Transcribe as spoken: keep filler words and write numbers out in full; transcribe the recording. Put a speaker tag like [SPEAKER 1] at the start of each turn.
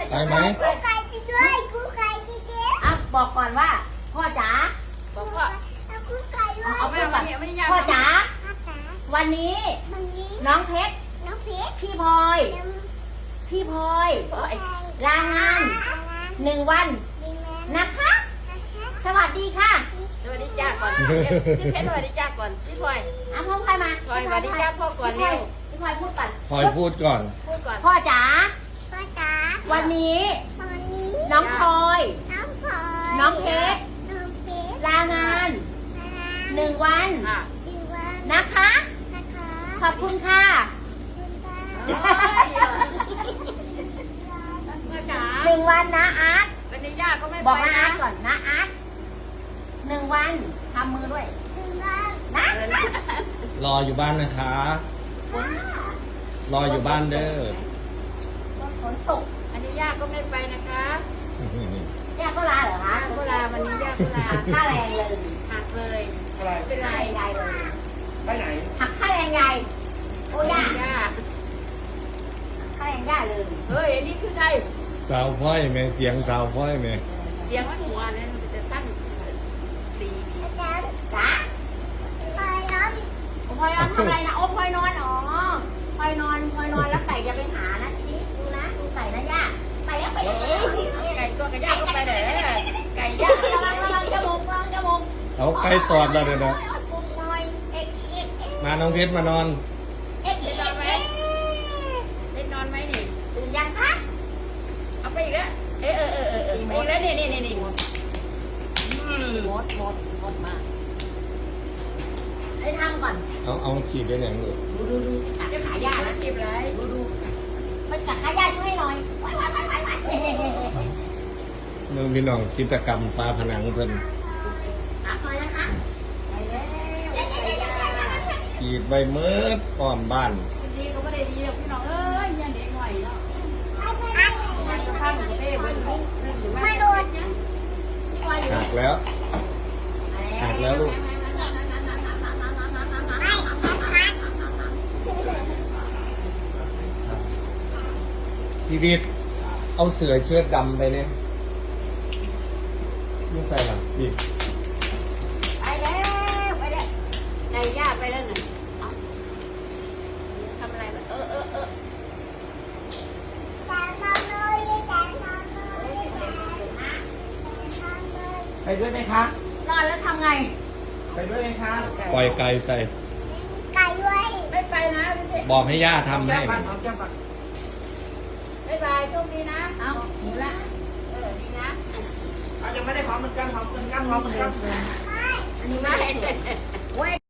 [SPEAKER 1] ไปไหม
[SPEAKER 2] กูไก่จะด้วยกูไก่จะเจ๊อ่ะบอกก่อนว่าพ่อจ๋าบอกพ่อกูไก่ด้วยเอาไปก่อนพ่อจ๋าวันนี้น้องเพชรน้องเพชรพี่พลอยพี่พลอยลางานหนึ่งวันนะคะสวัสดีค่ะ
[SPEAKER 3] สวัสดีจ้าก่อนพี่เพชรสวัสดีจ้าก่อนพี่พลอย
[SPEAKER 2] อ่ะพ่อพลอยมา
[SPEAKER 3] พลอยสวัสดีจ้าพ่อก่อนเร็ว
[SPEAKER 2] พี่พลอยพูดก่อน
[SPEAKER 1] พลอยพูดก่อน
[SPEAKER 3] พูดก่อน
[SPEAKER 2] พ่อจ๋า
[SPEAKER 4] พ่อจ๋า
[SPEAKER 2] วันนี้
[SPEAKER 4] วันนี้
[SPEAKER 2] น้องพลอย
[SPEAKER 4] น้องพลอย
[SPEAKER 2] น้องเพชร
[SPEAKER 4] น้องเพชร
[SPEAKER 2] ลางานหนึ่งวัน
[SPEAKER 4] หนึ่งวัน
[SPEAKER 2] นะคะ
[SPEAKER 4] นะคะ
[SPEAKER 2] ขอบคุณค่ะหนึ่งวันนะอาร์ต
[SPEAKER 3] วันนี้ย่าก็ไม่
[SPEAKER 2] บอกนะอาร์ตก่อนนะอาร์ตหนึ่งวันทำมือด้วย
[SPEAKER 4] หนึ่งวัน
[SPEAKER 2] นะ
[SPEAKER 1] รออยู่บ้านนะคะรออยู่บ้านเด้อ
[SPEAKER 2] ฝนตก
[SPEAKER 3] อันนี้ย่าก็ไม่ไปนะคะ
[SPEAKER 2] ย่าก็ลาเหรอคะ
[SPEAKER 3] ก็ลาวันนี้ย่าก็ลา
[SPEAKER 2] ค่าแรงเลย
[SPEAKER 3] หักเลย
[SPEAKER 2] เป็นไรยายเลย
[SPEAKER 1] ไปไหน
[SPEAKER 2] หักค่าแรงยายโอ้ย่า
[SPEAKER 3] ย่า
[SPEAKER 2] ค่าแรงย่าเลย
[SPEAKER 3] เฮ้ยอันนี้คือใคร
[SPEAKER 1] สาวพ่อยแม่เสียงสาวพ่อยแม่
[SPEAKER 3] เสียงหัวเนี่ยมันจะสั้นตี
[SPEAKER 2] จ๋าจ๋า
[SPEAKER 4] พลอยร้อน
[SPEAKER 2] พลอยนอนทำอะไรนะโอ้พลอยนอนอ๋อพลอยนอนพลอยนอนแล้วไก่จะไปหานะทีนี้ดูนะดูไก่นะย่าไปแล้วไปแล้ว
[SPEAKER 3] ไก่ตัวกับย่าก็ไปไหนไก่ย่า
[SPEAKER 2] ระวังระวังจมูกระวังจมูก
[SPEAKER 1] เอาไก่ตอดแล้วเดี๋ยวนะมาน้องเพชรมานอน
[SPEAKER 2] เอ็กซ์
[SPEAKER 3] ได้นอนไหมได้นอนไหมนี่
[SPEAKER 2] ตื่นยังคะ
[SPEAKER 3] เอาไปอีกแล้วเออเออเออเออเอออีกแล้วนี่นี่นี่นี่
[SPEAKER 2] มดมดมดมดมากไอ้ทำก่อน
[SPEAKER 1] เอาเอาขีดได้ไหนลูก
[SPEAKER 2] ดูดูดูจับขายานะ
[SPEAKER 3] เก็บไร
[SPEAKER 2] ดูดูไปจับขายาช่วยหน่อยไปไปไปไปไป
[SPEAKER 1] น้องพี่น้องกิจกรรมปลาผนังเพิ่น
[SPEAKER 2] อ่ะคอยนะคะไปแล้ว
[SPEAKER 1] ขีดใบเมิดอ้อมบ้าน
[SPEAKER 3] ดีก็ไม่ได้ดีหรอกพี่น้องเอ้ยยังเด็กหน่อยเนาะมันก็พังเต้เบิ้ลลุกหรือว่าโดน
[SPEAKER 1] หักแล้วหักแล้วลูกพี่วิทย์เอาเสือเชือดดำไปเนี่ยไม่ใส่หรอพี่
[SPEAKER 3] ไปแล้วไปแล้วไก่ย่าไปแล้วหนึ่งทำอะไรเออเออเออ
[SPEAKER 1] ไปด้วยไหมคะ
[SPEAKER 2] นอนแล้วทำไง
[SPEAKER 1] ไปด้วยไหมคะปล่อยไก่ใส่
[SPEAKER 4] ไก่ไว้
[SPEAKER 3] ไม่ไปนะ
[SPEAKER 1] บอกให้ย่าทำให้
[SPEAKER 3] บ๊ายบายโชคดีนะเอาหมูละเออดีนะ
[SPEAKER 5] ยังไม่ได้หอมเหมือนกันหอมเหมือนกันหอมเหมือนกัน
[SPEAKER 3] อันนี้ไม่